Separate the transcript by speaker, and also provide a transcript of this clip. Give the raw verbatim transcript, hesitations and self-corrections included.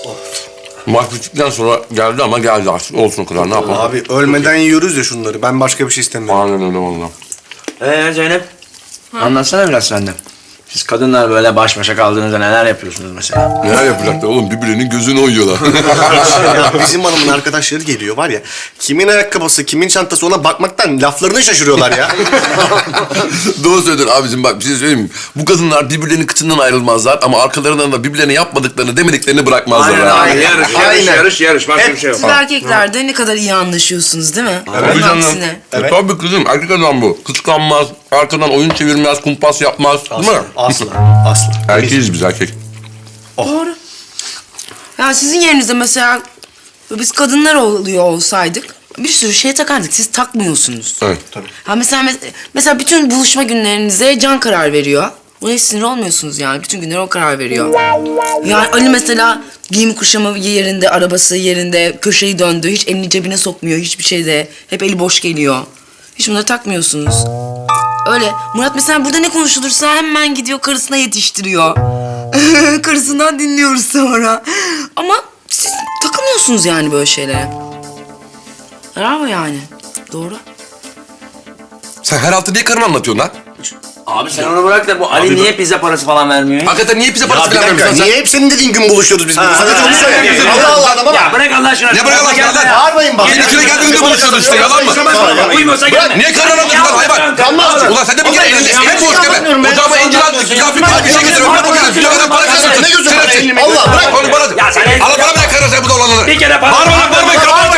Speaker 1: Maç bittikten sonra geldi ama geldi artık. Olsun o kadar, ne yapalım?
Speaker 2: Abi ölmeden yiyoruz ya şunları. Ben başka bir şey istemiyorum.
Speaker 1: Aynen öyle valla.
Speaker 3: Ee Zeynep, anlatsana biraz sen de. Siz kadınlar böyle baş başa kaldığınızda neler yapıyorsunuz mesela?
Speaker 1: Neler yapacaklar oğlum? Birbirinin gözünü oyuyorlar.
Speaker 2: Ya bizim hanımın arkadaşları geliyor var ya. Kimin ayakkabısı, kimin çantası ona bakmaktan laflarını şaşırıyorlar ya.
Speaker 1: Doğru söylüyorsun abicim, bak bir şey söyleyeyim mi? Bu kadınlar birbirlerinin kıçından ayrılmazlar ama arkalarından da birbirlerine yapmadıklarını, demediklerini bırakmazlar.
Speaker 3: Aynen,
Speaker 1: ha.
Speaker 3: aynen. Yarış, yarış,
Speaker 2: Aynen.
Speaker 3: yarış, yarış. Başka bir şey yok.
Speaker 4: Siz erkekler de ne kadar iyi anlaşıyorsunuz değil mi?
Speaker 1: Tabii
Speaker 4: Onun
Speaker 1: canım.
Speaker 4: aksine.
Speaker 1: Evet. Tabii kızım, erkek adam bu. Kıskanmaz, arkadan oyun çevirmez, kumpas yapmaz. Değil mi?
Speaker 2: Asla, asla.
Speaker 1: Erkeğiz biz, erkek.
Speaker 4: Doğru. Ya sizin yerinizde mesela biz kadınlar oluyor olsaydık bir sürü şey takardık. Siz takmıyorsunuz.
Speaker 1: Evet.
Speaker 4: Ha mesela mesela bütün buluşma günlerinize Can karar veriyor. Buna hiç sinir olmuyorsunuz yani. Bütün günleri o karar veriyor. Yani Ali mesela giyim kuşamı yerinde, arabası yerinde, köşeyi döndü. Hiç elini cebine sokmuyor hiçbir şeyde. Hep eli boş geliyor. Hiç bunları takmıyorsunuz. Öyle. Murat mesela burada ne konuşulursa hemen gidiyor karısına yetiştiriyor. Karısından dinliyoruz sonra. Ama siz takılmıyorsunuz yani böyle şeylere. Bravo yani. Doğru.
Speaker 1: Sen her hafta niye karını anlatıyorsun lan?
Speaker 3: Abi sen onu bırak da bu Ali niye pizza parası falan vermiyor?
Speaker 1: Hakikaten niye bize
Speaker 2: Ya
Speaker 1: parası
Speaker 2: bir
Speaker 1: falan
Speaker 2: dakika,
Speaker 1: vermiyorsun sen?
Speaker 2: niye hep senin dediğin gün buluşuyoruz biz burada? Sadece onu söyle. Allah Allah adama
Speaker 3: Ya
Speaker 2: bak.
Speaker 3: bırak Allah aşkına.
Speaker 1: Ne bırak Allah aşkına lan?
Speaker 2: Bağırmayın bak.
Speaker 1: Senin içine geldiğinde buluşuyoruz işte, yalan mı?
Speaker 3: Uymuyorsa gelme.
Speaker 1: Niye karını anlatıyorsun lan hayvan?
Speaker 2: Kalmaz.
Speaker 1: Ulan sen de bir kere elini hep boş gene. Ocağıma incir al, kıyafet al, bir şey getiriyorum. Ne bakıyorsun? Bir kadar para kazanıyorsun.
Speaker 2: Ne gözün var
Speaker 1: Şerefsiz.
Speaker 2: elini? Allah bırak.
Speaker 1: Onu bana.
Speaker 3: Ya sen-
Speaker 1: Al bana bırak karısı bu da olanları.
Speaker 3: Bir kere para-
Speaker 1: Bağırma lan, bağırma.